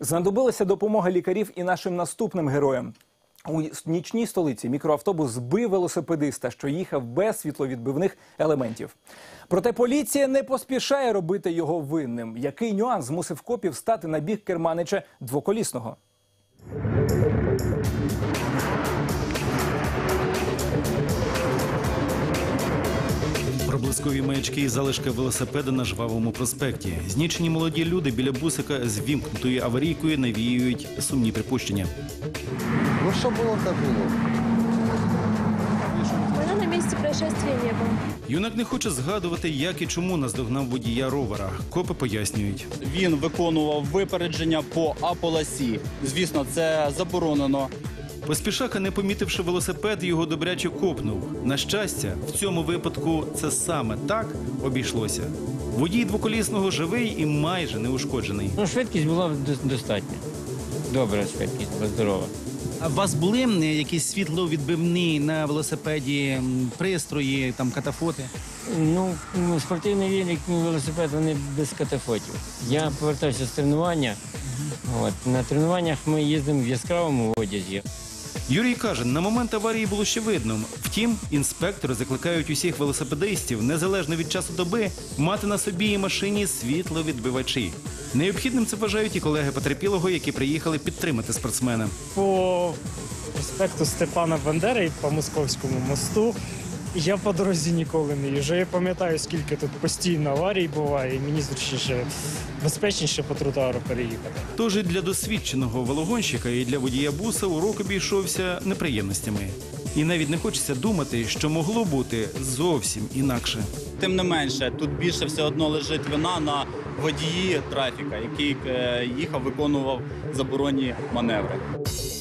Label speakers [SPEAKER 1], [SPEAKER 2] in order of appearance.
[SPEAKER 1] Знадобилася допомога лікарів і нашим наступним героям. У нічній столиці мікроавтобус збив велосипедиста, що їхав без світловідбивних елементів. Проте поліція не поспішає робити його винним. Який нюанс змусив копів стати на бік керманича двоколісного?
[SPEAKER 2] Проблискові маячки і залишки велосипеда на Жвавому проспекті. Знічені молоді люди біля бусика з вімкнутою аварійкою навіюють сумні припущення.
[SPEAKER 3] Ну що було, так було.
[SPEAKER 4] Мене на місці происшествия не було.
[SPEAKER 2] Юнак не хоче згадувати, як і чому наздогнав водія ровера. Копи пояснюють.
[SPEAKER 5] Він виконував випередження по А-полосі. Звісно, це заборонено.
[SPEAKER 2] Поспішака, не помітивши велосипед, його добряче копнув. На щастя, в цьому випадку це саме так обійшлося. Водій двоколісного живий і майже неушкоджений.
[SPEAKER 6] Швидкість була достатня. Добра швидкість, була здорова.
[SPEAKER 2] А у вас були якісь світловідбивні на велосипеді пристрої, там катафоти?
[SPEAKER 6] Ну, спортивний велик, велосипед, вони без катафотів. Я повертався з тренування. На тренуваннях ми їздимо в яскравому одязі.
[SPEAKER 2] Юрій каже, на момент аварії було ще видно. Втім, інспектори закликають усіх велосипедистів, незалежно від часу доби, мати на собі і машині світловідбивачі. Необхідним це вважають і колеги потерпілого, які приїхали підтримати спортсмена.
[SPEAKER 7] По проспекту Степана Бандери і по Московському мосту я по дорозі ніколи не їжджу. Я пам'ятаю, скільки тут постійно аварій буває, і мені зручніше, безпечніше по тротуару переїхати.
[SPEAKER 2] Тож і для досвідченого велогонщика, і для водія буса урок обійшовся неприємностями. І навіть не хочеться думати, що могло бути зовсім інакше.
[SPEAKER 5] Тим не менше, тут більше все одно лежить вина на водії трафіка, який їхав, виконував заборонні маневри.